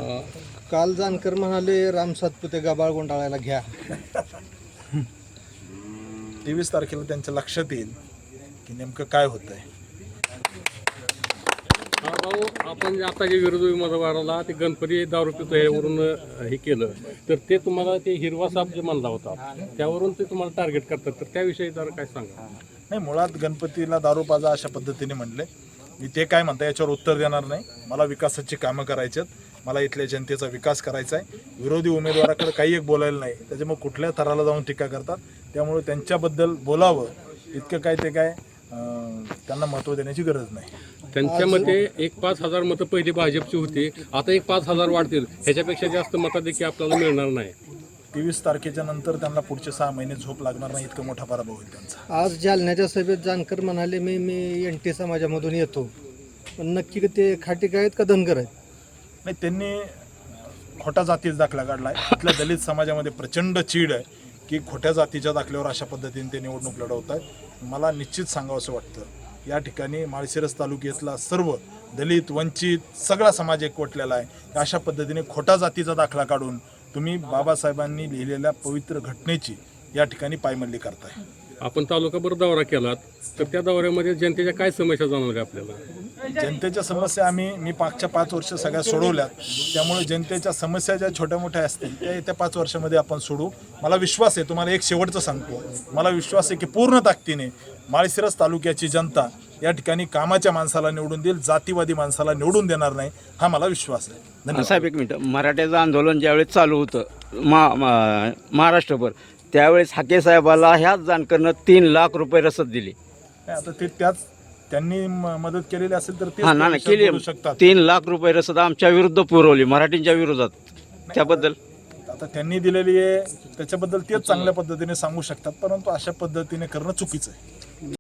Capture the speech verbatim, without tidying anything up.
काल जानकर म्हणाले राम सातपुते गबाळ गोंडाळायला घ्या. तेवीस तारखेला त्यांच्या लक्षात येईल की नेमकं काय होतंय. हा भाऊ, आपण जे आता जे विरोधी उमेदवाराला ते गणपती दारू पितो यावरून हे केलं तर ते तुम्हाला ते हिरवा साप जे म्हणला होता त्यावरून ते तुम्हाला टार्गेट करतात, तर त्याविषयी जरा काय सांगा. नाही, मुळात गणपतीला दारू पाजा अशा पद्धतीने म्हणले. मी ते काय म्हणता याच्यावर उत्तर देणार नाही. मला विकासाची कामं करायची आहेत, मला इथल्या जनतेचा विकास करायचा आहे. विरोधी उमेदवाराकडे काही एक बोलायला नाही, त्याच्यामुळे कुठल्या थराला जाऊन टीका करतात. त्यामुळे त्यांच्याबद्दल बोलावं इतकं काय ते काय त्यांना महत्त्व देण्याची गरज नाही. त्यांच्या मते एक पाच हजार मतं पहिली भाजपची होती, आता एक पाच हजार वाढतील, ह्याच्यापेक्षा जास्त मताधिक्य आपल्याला मिळणार नाही. तेवीस तारखेच्या नंतर त्यांना पुढचे सहा महिने झोप लागणार नाही, इतका मोठा पराभव होईल त्यांचा. आज जालन्याच्या सभेत जानकर म्हणाले मी मी एन टी समाजामधून येतो, पण नक्की ते खाटीक आहेत का धनगर आहेत? नाही, त्यांनी खोटा जातीचा दाखला काढला आहे. इथल्या दलित समाजामध्ये प्रचंड चीड आहे की खोट्या जातीच्या दाखल्यावर अशा पद्धतीने ते निवडणूक लढवत आहेत. मला निश्चित सांगावं असं वाटतं, या ठिकाणी माळशिरस तालुक्यातला सर्व दलित वंचित सगळा समाज एकवटलेला आहे. अशा पद्धतीने खोटा जातीचा दाखला काढून तुम्ही बाबासाहेबांनी लिहिलेल्या पवित्र घटनेची या ठिकाणी पायमल्ली करताय. आपण तालुकाभर दौरा केलात तर त्या दौऱ्यामध्ये जनतेच्या काय समस्या जाणवल्या आपल्याला? जनतेच्या समस्या आम्ही मी मागच्या पाच वर्ष सगळ्या सोडवल्यात. त्यामुळे जनतेच्या समस्या ज्या छोट्या मोठ्या असतील त्या येत्या पाच वर्षामध्ये आपण सोडू. मला विश्वास आहे, तुम्हाला एक शेवटचं सांगतो, मला विश्वास आहे की पूर्ण ताकदीने माळशिरस तालुक्याची जनता या ठिकाणी कामाच्या माणसाला निवडून देईल, जातीवादी माणसाला निवडून देणार नाही, हा मला विश्वास आहे. धन्यवाद. साहेब, एक मिनटं, मराठ्याचं आंदोलन ज्यावेळेस चालू होतं मा मा- महाराष्ट्रभर, त्यावेळेस हाके साहेबाला ह्याच जानकरनं तीन लाख रुपये रसद दिली. नाही, आता ते त्याच त्यांनी म- मदत केलेली असेल तर तेच हा ना त्या केली, विषयात बोलू शकतात. तीन लाख रुपये रसद आमच्या विरुद्ध पुरवली, मराठींच्या विरोधात. त्याबद्दल आता त्यांनी दिलेली आहे त्याच्याबद्दल तेच चांगल्या पद्धतीने सांगू शकतात, परंतु अशा पद्धतीने करणं चुकीचं आहे.